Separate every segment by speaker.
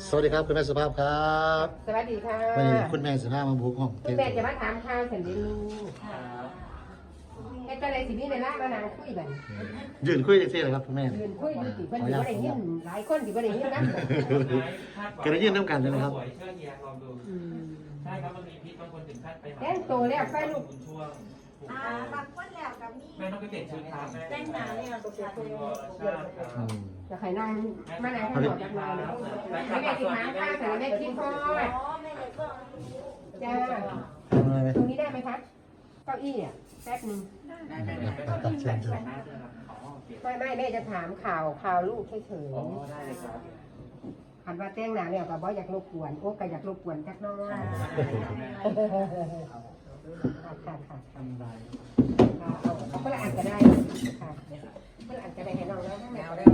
Speaker 1: สวัสดีครับคุณแม่สุภาพครับ
Speaker 2: สวัสดีค่ะ
Speaker 1: วันนี้คุณแม่สุภาพมาบุกห้อง
Speaker 2: คุณแม่จะมาถามข่าวฉันดิลูกแค่อะไรสินี่ในร้านมานางคุยกัน
Speaker 1: ยืนคุยเท่ๆเลยครับคุณแม่
Speaker 2: ยืนคุยอยู่ที่เพิ่นอยู่บ่ได้ยินหลายคนที่บ่ได้ยินนะ
Speaker 1: ก็ได้ยืนน้ำกันเลยนะครับ
Speaker 3: เชื่อเฮียลองดูใช่ครับมันมีพิษบางคนถึงขั้นไปหา
Speaker 2: แจ้งโตแล้วไฟลูก
Speaker 3: ช่วง
Speaker 4: บางคนแล้วกับมี
Speaker 3: แม่ต้องไปเปลี่ยนชุดครับแม่
Speaker 4: แต่งหน้าเนี่ยตัวตัว
Speaker 1: อืม
Speaker 2: จะใครนั่งมานางขอจากนายแม่ที่ถามข้าวแต่แม่คิดพอ
Speaker 4: อ๋อไม่ได้ก็
Speaker 2: จ้า
Speaker 1: ทำอะไรไหม
Speaker 2: ตรงนี้ได้ไหมคะเก้าอี้อ่ะแป๊บนึง
Speaker 1: ตัดเชิญเชิญ
Speaker 2: ไม่แม่จะถามข่าวลูกเฉย
Speaker 3: อ๋อได้เลยครับ
Speaker 2: ๆหันว่าแต่งหน้าแล้วก็บ่อยากรบกวนโอ้ก็อยากรบกวนจักน้อยค่ะทำได้เอาคนละอันก็ได้ค่ะคนละอันก็ได้ให้น้องแล้วทั้งแนวได้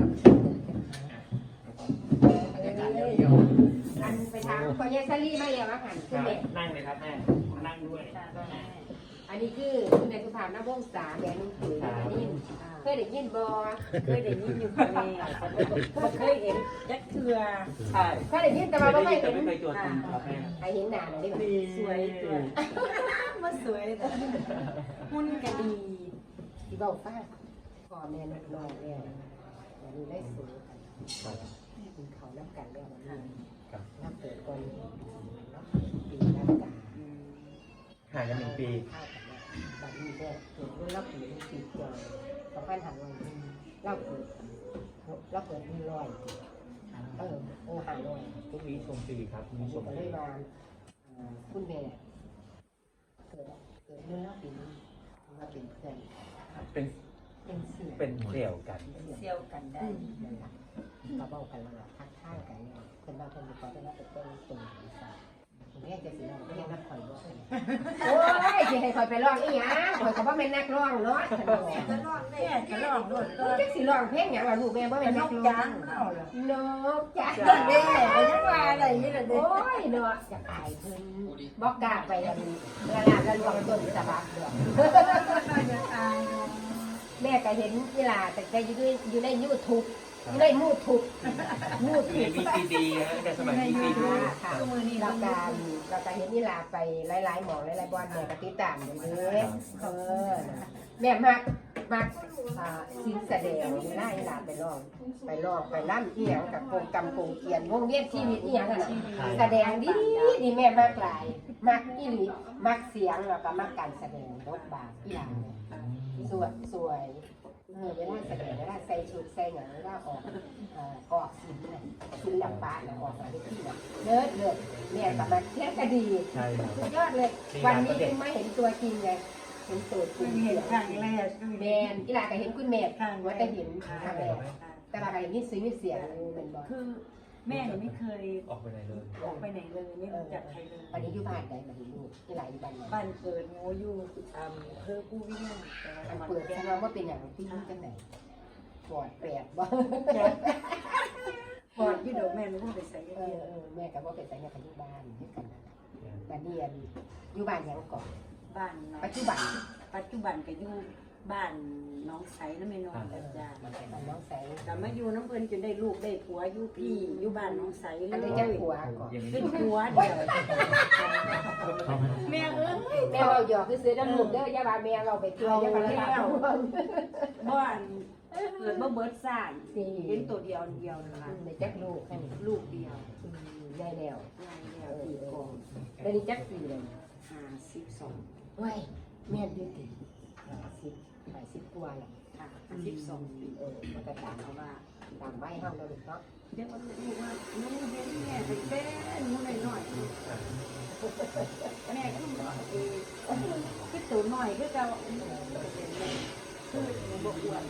Speaker 2: อันไปถามพ่อเยซารี่มาแล้วว่าหันขึ้นเด็ก
Speaker 3: นั่งเลยครับแม่นั่งด้วย
Speaker 2: อันนี้คือคุณนายสุภาพน้ำวงศาแม่นุ่งถือเคยได้ยินบ่
Speaker 4: เคยได้ยินอยู่ค่ะแม่บ่เคยเห็นยักษ์เถื่อ
Speaker 3: ใช่
Speaker 2: เคยได้ยินแต่ว่าไม่
Speaker 3: ไม่
Speaker 2: เห็น
Speaker 3: เคยตรวจคุณครับแม่
Speaker 2: ใครเห็นหน้าหน่อยดิ
Speaker 4: สวยมาสวยแต่หุ่นก็ดี
Speaker 2: ที่บอกป้าพ่อแม่นักน้องแล้ววันนี้ได้สูงกินเขาน้ำกันแล้ววันนี้น้ำเปิดก่อนปีน้ำกา
Speaker 3: ห่างกัน1 ปี
Speaker 2: ข้าวกันบัดนี้แม่เกิดรุ่นเราปีปีเดียว2,500เราเกิดมี100500
Speaker 3: ทุกวีชมฟรีครับมีชม
Speaker 2: ก็
Speaker 3: ฟ
Speaker 2: เล
Speaker 3: รี
Speaker 2: ยมาคุณแม่เกิดรุ่นเราปีนี้มาเป็นเพื่อน
Speaker 3: เป็น
Speaker 2: เป็นเสีย
Speaker 3: เป็นเสี่ยวกัน
Speaker 4: เซียวกันได้
Speaker 2: มาเบ้ากันแล้วทักทายกันเพิ่นว่าเพิ่นมีความเป็นนักเป็นต้นตรงศีรษะคุณแม่จะสิร้องเพลงนักข่อยบ่โอ้ยสิให้ข่อยไปร้องอีหยังข่อยก็บ่แม่นนักร้องเนาะ
Speaker 4: จะลองได้จะลองโดดก็
Speaker 2: จักสิร้องเพลงหยังล่ะลูกแม่บ่
Speaker 4: เป็
Speaker 2: แม่
Speaker 4: น
Speaker 2: น
Speaker 4: น
Speaker 2: นั
Speaker 4: ก
Speaker 2: กร้
Speaker 4: จา
Speaker 2: อง
Speaker 4: นเอาล่ะ
Speaker 2: นกจ้า
Speaker 4: จังเด้ก็ยังว่าอะไรนี่ล่ะเด้
Speaker 2: โอ้ยเนาะจะอายเพิ่นบ่กล้าไปอันละลาละลวงต้นสะบักดอก
Speaker 4: จะตาย
Speaker 2: แม่ก็เห็นเวลาแต่ก็อยู่ใน YouTube อยู่ในมูทูบมูทู
Speaker 3: มี
Speaker 2: บ
Speaker 3: ซีดีนะแต่สมัยมีซีดี
Speaker 2: ค่ะเราการเห็นนี่ลาไปหลายๆหมองหลายๆบอลแม่ก็ติดตามอยู่เด้แม่มักสิ่งแสดงนี่ล่ะอีหลาไปร้องไปล่ำอีหยังกับโกงกำโกงเกียนวงเวียนชีวิตอีหยังน่ะแสดงดีแม่มักหลายมักอีหลีมักเสียงแล้วก็มักการแสดงรบบาอีหลาสวยเวลาแสดงเวลาใส่ชุดใส่หนังเวลาออกศิลปะออกอะไรที่น่ะเลิศเนี่ยกับมันแค่ก็ดี
Speaker 3: ใช่ครับ
Speaker 2: สุดยอดเลย วันนี้ยังไม่เห็นตัวจริงเลยเห็นตัวจริง
Speaker 4: เห็นครั้งแรก
Speaker 2: แมนอีหลาก็เห็นคุณแม่ว่าแต่เห็นครั้งแรกแต่ว่าก็เห็นมีซื้อมีเสียงเป็นบ่
Speaker 4: คือแม่ไม่เคย
Speaker 3: ออกไปไหนเลย
Speaker 4: ออกไปไหนเลยไม่รู้จักใครเลย
Speaker 2: วันนี้อยู่บ้านใดมาเห็นลูกอีหลาอยู่บ้านไหน
Speaker 4: บ้านเกิดโง่อยู่เพื่อผู้วิ่งแต่
Speaker 2: อัน
Speaker 4: มัน
Speaker 2: เปิดแสดงว่าเป็นอย่างที่นี่จังไหนปอดแปดบ่
Speaker 4: ก่อนที่เดี๋ยวแม่รู้ไปใส่
Speaker 2: แม่ก็บ่เป็นแต่ยังอยู่บ้านด้วยกันบ้านนี้อยู่บ้านยังก่อน
Speaker 4: บ้าน
Speaker 2: ปัจจุบัน
Speaker 4: ก็อยู่บ้านน้องใสน้ำไม่นอนกันจ้า
Speaker 2: บ้านน้องแสง
Speaker 4: แต่มาอยู่น้ำเพิ่นจนได้ลูกได้ผัวอยู่พี่อยู่บ้านน้องใสเล
Speaker 2: อัน
Speaker 4: ย
Speaker 2: นี้จะผัวก่อน
Speaker 4: เป็นผัวเดียวแม่เอ้ย
Speaker 2: แม่เราหยอกคือซื้อน้ำลูกเด้อย่าว่าแม่เราไปเที่ยวอย่าไปเที่ยว
Speaker 4: บ้านเกิดบ่เบิดซ่านเห็นตัวเดียวนะคะ
Speaker 2: ในจักลูกให้
Speaker 4: ลูกเดียว
Speaker 2: ได้แล้ว
Speaker 4: ง่ายแล้วตีกอง
Speaker 2: ได้จักปีเลย
Speaker 4: 52
Speaker 2: เว้ยแม่ดื้อติ50กว่าแล้ว
Speaker 4: ค่ะ12 ปี
Speaker 2: มันก็ตาม
Speaker 4: เพราะว่า
Speaker 2: ตามไว้เฮาแล้วลูกเนาะ
Speaker 4: เดี๋ยวมันรู้ว่าหนูเห็นแม่เป็นแป้นหนูหน่อยแม่ก็ต้องบอกคือตัวหน่อยคือเก่าคือหนูบ่อ้วน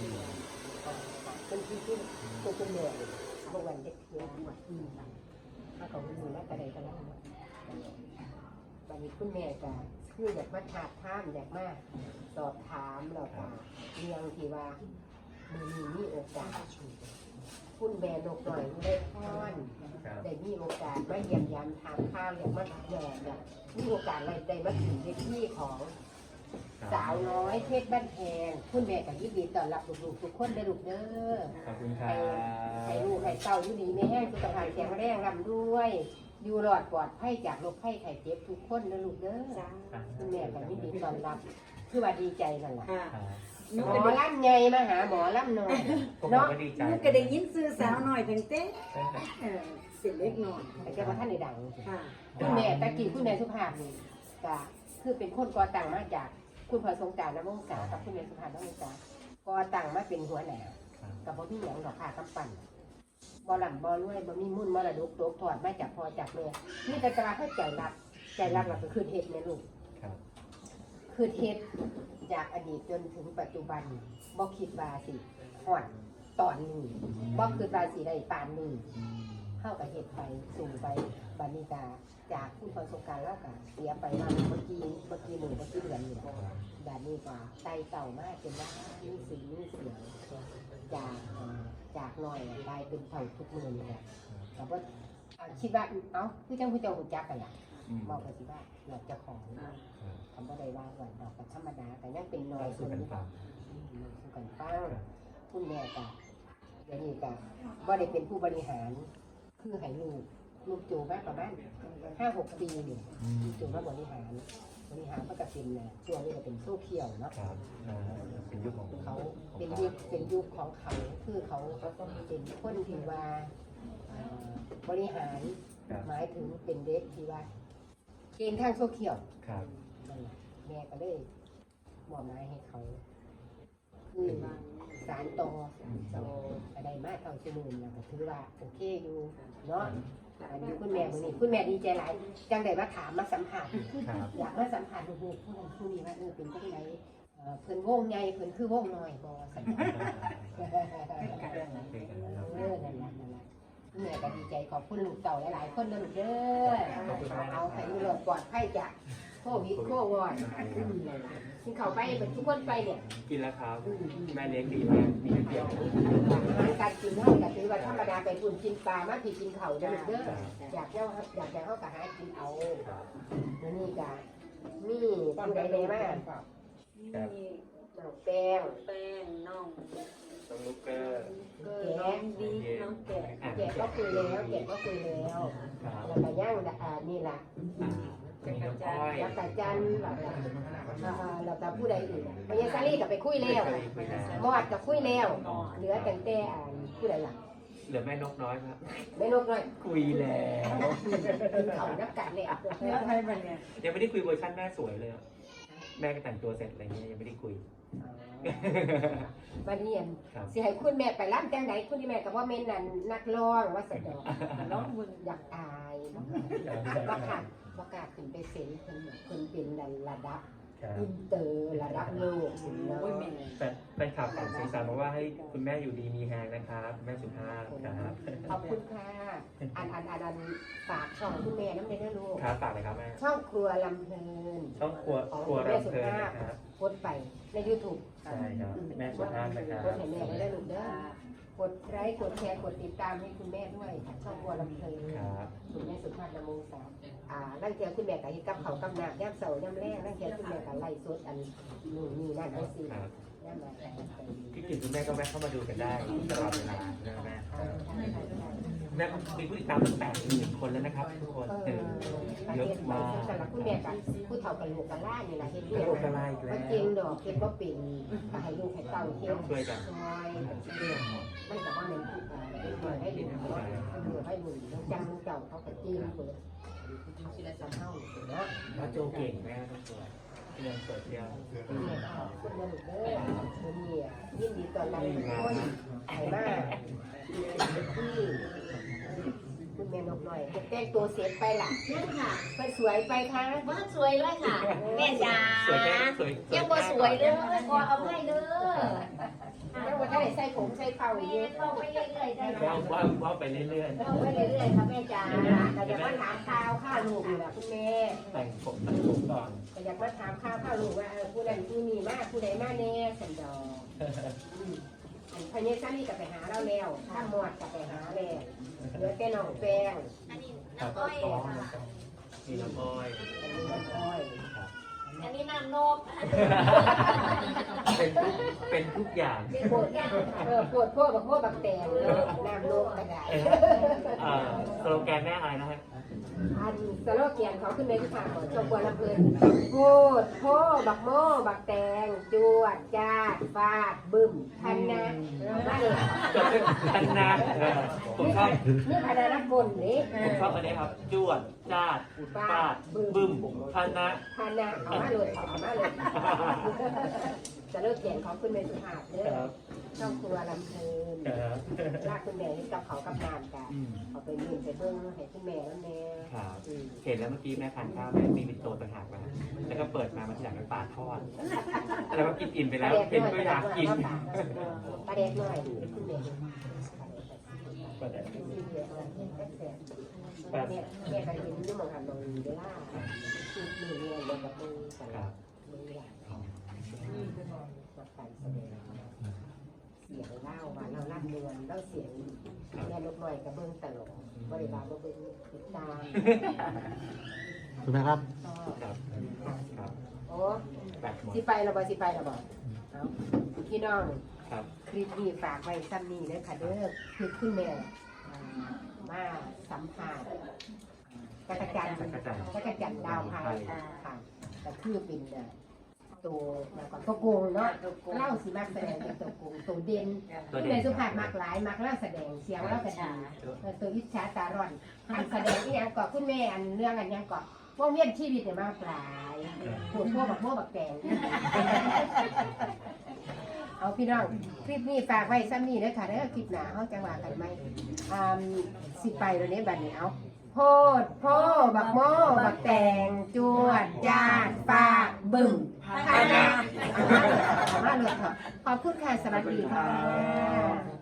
Speaker 2: เป็นที่ตัวคุณแม่บ่วันเด็กเที่ยวถ้าเขามีแล้วก็ได้กันแล้วบัดนี้คุณแม่ก็คืออยากมาถามถามอยากมาสอบถามแล้วก็เรื่องที่ว่ามีโอกาสคุณแม่นกหน่อยได้พรได้มีโอกาสมาเยี่ยมยามถามข้าวอยากมาอยากมีโอกาสอะไรได้มาถึงเวทีของสาวน้อยเพชรบ้านแพงคุณแม่กับยินดีต้อนรับลูกๆทุกคนได้ลูกเด้อ
Speaker 3: ขอบคุณครั
Speaker 2: ให้
Speaker 3: บ
Speaker 2: ลูกให้เต้าอยู่ดีไม่แห้งสุขภาพแข็งแรงร่ำด้วยอยู่รอดปลอดภัยจากโรคภัยไข้เจ็บทุกคนนะลูกเด้อคุณแม่กับยินดีต้อนรับคือว่าดีใจนั่นแหละ
Speaker 4: ค่ะ
Speaker 2: หมอลำใหญ่มาหาหมอลำน้อย
Speaker 3: ผม
Speaker 2: เนาะ
Speaker 3: ก็ดีใจ
Speaker 4: ลูกก็ได้ยินซื้อสาวหน่อยถึงเต้เป็นเล็กน้อย
Speaker 2: แต่แกว่าท่านในดัง
Speaker 4: ค่ะ
Speaker 2: คุณแม่ตะกี้คุณแม่สุภาพนี่ก็คือเป็นคนก่อตั้งมาจากคุณพ่อสงกรานต์นวงศากับคุณแม่สุภาพนวงศาก่อตั้งมาเป็นหัวหน้ากับบ่มีหยังดอกค่ะกำปั้นบ่ลำบ่รวยบ่มีมุ่นมรดกตกทอดมาจากพ่อจากแม่นี่แต่ตราให้ใจรักเราก็คือเฮ็ดแม่ลูก
Speaker 3: ครับ
Speaker 2: คือเฮ็ดจากอดีตจนถึงปัจจุบันบ่คิดว่าสิฮอดตอนนี้บ่คิดว่าสิได้ปานนี้เฮาก็เฮ็ดไปสู่ไปบัดนี้ก็จากคุณพ่อสงกรานต์แล้วก็เสียไปมาเมื่อกี้มื้อเมื่อกี้เดือนนี่บัดนี้ก็ไต่เต่ามาจนว่ามีสีมีเสียงจากน้อยกลายเป็นเท่าทุกมื้อนี่แหละก็บ่คิดว่าเอ้าคือจังผู้เจ้าฮู้จักกันล่ะบอกก็สิว่าอยากจะของคำว่าใดว่าวันดอกก็ธรรมดาแต่ยังเป็นน้อย
Speaker 3: สู้กันฟัง
Speaker 2: สู้กันฟังคุณแม่ก็เดี๋ยวนี้ก็บ่ได้เป็นผู้บริหารคือให้ลูกจูมาประมาณ5-6 ปีนี่จูมาบริหารก็จะเป็นช่วงนี้ก็เป็นโซเชียลเนาะ
Speaker 3: ครับเป็นยุคของ
Speaker 2: เขาเป็นยุคของเขาคือเขาเป็นคนที่ว่าบริหารหมายถึงเป็นเด็กที่ว่าเก่งทางโซเชียล
Speaker 3: ครับ
Speaker 2: นั่นแหละแม่ก็เลยมอบหมายให้เขาคือสารต่ออะไรมาเท่าชั่วโมงนะก็ถือว่าโอเคอยู่เนาะอันนี้คุณแม่วันนี้คุณแม่ดีใจหลายจังได้มาถามมาสัมผัส
Speaker 3: ครับ
Speaker 2: อยากมาสัมผัสลูกๆผู้นั้นผู้นี้ว่าเป็นจังไดเพิ่นวงใหญ่เพิ่นคือวงน้อยบ่สัญญานั่นแหละคุณแม่ก็ดีใจขอบคุณลูกเต่าหลายๆคนนะลูกเด้อเอาให้ลูกปลอดภัยจากโควิดโควอดกินข้าวไปเป็นทุกคนไปเนี่ย
Speaker 3: กินแล้วครับแม่เลี้ยงดีมากมีเดียว
Speaker 2: อาหารการกินเท่ากับถือว่าธรรมดาไปคุณกินปลามาที่กินข้าวเด้อเด้ออยากเข้ากับหากินเอาแล้วนี่ก็มีผู้ใดเลยมาก
Speaker 4: มี
Speaker 2: น้องแป้ง
Speaker 4: แป้งน้อง
Speaker 3: น้องลูกเกอร์
Speaker 4: น้องดีน้องแกะ
Speaker 2: แกก็คุยแล้ว
Speaker 3: ครับ
Speaker 2: แล้วก็ย่างนี่ล่ะ
Speaker 3: มีน้องอ้อย
Speaker 2: แล้วก็จันแล้วก็ผู้ใดอีกพญาซาลีก็ไปคุยแล้วมอดก็คุยแล้วเหลือแต่แต่ผู้ใดล่ะ
Speaker 3: เหลือแม่นกน้อยครับ
Speaker 2: แม่นกน้อย
Speaker 3: คุยแล้ว
Speaker 2: เขานักกันเลย
Speaker 4: เนื้อไทยมันเนี่ย
Speaker 3: ยังไม่ได้คุยเวอร์ชันแม่สวยเลยแม่ก็แต่งตัวเสร็จอะไรเงี้ยยังไม่ได้คุย
Speaker 2: วันนี้
Speaker 3: ครับ
Speaker 2: สิให้คุณแม่ไปรับจังไหนคุณแม่ก็ว่าแม่นั่นนักร้องว่าสดอก
Speaker 4: ร้องบุญ
Speaker 2: อยากอายประกาศขึ้นไปเซ็นเพิ่นเป็นระดับอินเตอร์ระดับโลกเนาะ
Speaker 4: โอ้ยแม่
Speaker 3: แต่แฟนคลับฝั่งสีสานบอกว่าให้คุณแม่อยู่ดีมีแฮงนะครับคุณแม่สุภาพครับ
Speaker 2: ขอบคุณค่ะอันฝากช่องคุณแม่น้ำเด้อลูก
Speaker 3: ครับฝากเลยครับแม่
Speaker 2: ช่องครัวลำเพลิน
Speaker 3: ช่องครัวรำเพลินนะครับ
Speaker 2: โพสต์ไปใน YouTube
Speaker 3: ใช่ครับแม่สุภาพนะครับ
Speaker 2: โพสต์ให้แม่ได้ลูกเด้อกดไลค์กดแชร์กดติดตามให้คุณแม่ด้วยช่องครัวลำเพลิน
Speaker 3: ครับ
Speaker 2: คุณแม่สุภาพนามงสามนั่งเทียคุณแม่กับฮิกับเขากำนับย่ำเสาย่ำแรกนั่งเทียคุณแม่กับไล่สดอันนี่นั่นไอ้สิ
Speaker 3: ครับ
Speaker 2: ย่ำมาแต่
Speaker 3: พี่กิ่งคุณแม่ก็แวะเข้ามาดูกันได้ตลอดเวลานะแม่แม่มีผู้ติดตามตั้ง80,000 คนแล้วนะครับทุกคนเยอะมาก
Speaker 2: สำหรับคุณแม่กับผู้เฒ่ากันลูกกันล่านี่แหละเห็น
Speaker 3: กระโดดกระไล่อีกแล้
Speaker 2: ว่าว จริงดอกเห็นว่าเป็นให้ลูกให้เต่าเที่ยว
Speaker 3: ช่วยกัน
Speaker 2: ซอยมันกับว่าเป็นผู้เป็นเปิดให้ดูเนาะเปิดให้ดูแล้วจังเก่าเขากับจีนเปิดที่ละสามเท่าเนาะ
Speaker 3: พระโจเก่งแม่ต้องสวยเรื่องโซเชียล
Speaker 2: คุณแม่ขอบคุณนะลูกเด้อคุณเนี่ยยินดีต้อนรับทุกคนไข่มากที่คุณแม่นกหน่อยจะแต่งตัวเสร็จไปล่ะ
Speaker 5: นั่นค่ะ
Speaker 2: ไปสวยไปค่ะ
Speaker 5: ว่าสวยเลยค่ะ แม่จ๋า
Speaker 3: สวยแค่สวย
Speaker 5: ยังบ่สวยเลยขอเอาให้เด้อ
Speaker 2: แล้ววันนี้ใส่ผมใส่เข่าอย่าง
Speaker 5: แม่
Speaker 2: เงี้ย
Speaker 5: เข้าไปเรื่อยๆได้
Speaker 3: ว่าไปเรื่อย
Speaker 2: เข้าไปเรื่อยๆค่ะแม่จ๋าแต่อยากมาถามข่าวข้าลูกอยู่แหละคุณแม่
Speaker 3: ๆแต่งผมก่อน
Speaker 2: แต่อยากมาถามข้าวลูกว่าผู้ใดผู้นี้มากผู้ใดมาแน่สันดอกพญาซาลีกับไปหาเราแล้วถ้าหมวดกับไปหาแล้วเหลือแต่น้องแป้ง
Speaker 5: อันนี้
Speaker 3: ครับ
Speaker 5: น้ำอ้อยค่ะ
Speaker 3: มีน้ำอ้อย
Speaker 2: อันนี้น้องอ้อย
Speaker 3: ครับ
Speaker 2: ม
Speaker 5: อันนี้น้ำนม
Speaker 3: เป็นทุกอย่าง
Speaker 2: ปวดปวดพวกแบบพวกแบบแตงน้ำโลกกระได
Speaker 3: สโลแกนแม่อะไรนะฮะ
Speaker 2: อันสโลแกนเขาขึ้นในที่ผ่านของชมบัวลำเพลินโพดโพบักโม่บักแตงจวดจ้าฟาดบึ้มพันนะมาเลย
Speaker 3: จบเป็นพันนาผมชอบ
Speaker 2: นี่พันนะนักบนนี่
Speaker 3: ผมชอบอันนี้ครับจวดจ้าดฟาดบึ้มพันนะ
Speaker 2: พันนะเอามาเลยเอามาเลยสโลแกนของขึ้นในสุภาพเด้อช่องครัวลำเพลินลากคุณแม่ให้กับเขากับนานกันเอาไปยืนไปเบิ้งให้คุณแม่แล้วแม่
Speaker 3: ครับเห็นแล้วเมื่อกี้แม่ทานข้าวแม่มีเป็นโตต่างหากมาแล้วก็เปิดมาทีหลังเป็นปลาทอดแล้วก็กินอิ่มไปแล้วเห็นก็อยากกิน
Speaker 2: ปลาแดกหน่อยคุณแม่
Speaker 3: ปลาแดก
Speaker 2: แม่ก็เห็นยุ่งมองหันมองเวลาคือมือเนี่ยลงกับมือกันมือหลังกับการแสดงเสียงเล่าว่าเราลั่นเรือนเราเสียงแม่ลูกหน่อยกับเบิ้งตลกบริบาลก็เป็นติดตาม
Speaker 1: คุณแม่ครับ
Speaker 3: ครับครับ
Speaker 2: โอ้
Speaker 3: แบบหมด
Speaker 2: สิไปเราบ่สิไปเราบ่เอาพี่น้อง
Speaker 3: ครับ
Speaker 2: คลิปนี้ฝากไว้ซ้ำนี้เด้อค่ะเด้อคือคุณแม่มาสัมภาษณ์จักรจันทร์ดาวพายค่ะแต่คือเป็นตัวก่อนตัวโกงเนาะเล่าสิมากแสดงเป็นตัวโกงตัวเด่นที่ในสุภาพมากหลายมากเล่าแสดงเสียงเล่ากระดาตัวอิจฉาตาร่อนอันแสดงที่ยังก่อคุณแม่อันเรื่องอันยังก่อว่องเวียนชีวิตเนี่ยมากหลายปวดพวกแบบโม่บักแตงเอาพี่น้องคลิปนี้ฝากไว้ซ้ำนี้เด้อค่ะเด้อคลิปหน้าเฮาจังหวะกันไหมสิไปตรงนี้บัดนี้เอาโพดโพบักโม่บักแตงจวดจาดปากบึ้มพานามาเลยค่ะขอบคุณค่ะสวัสดีค่ะ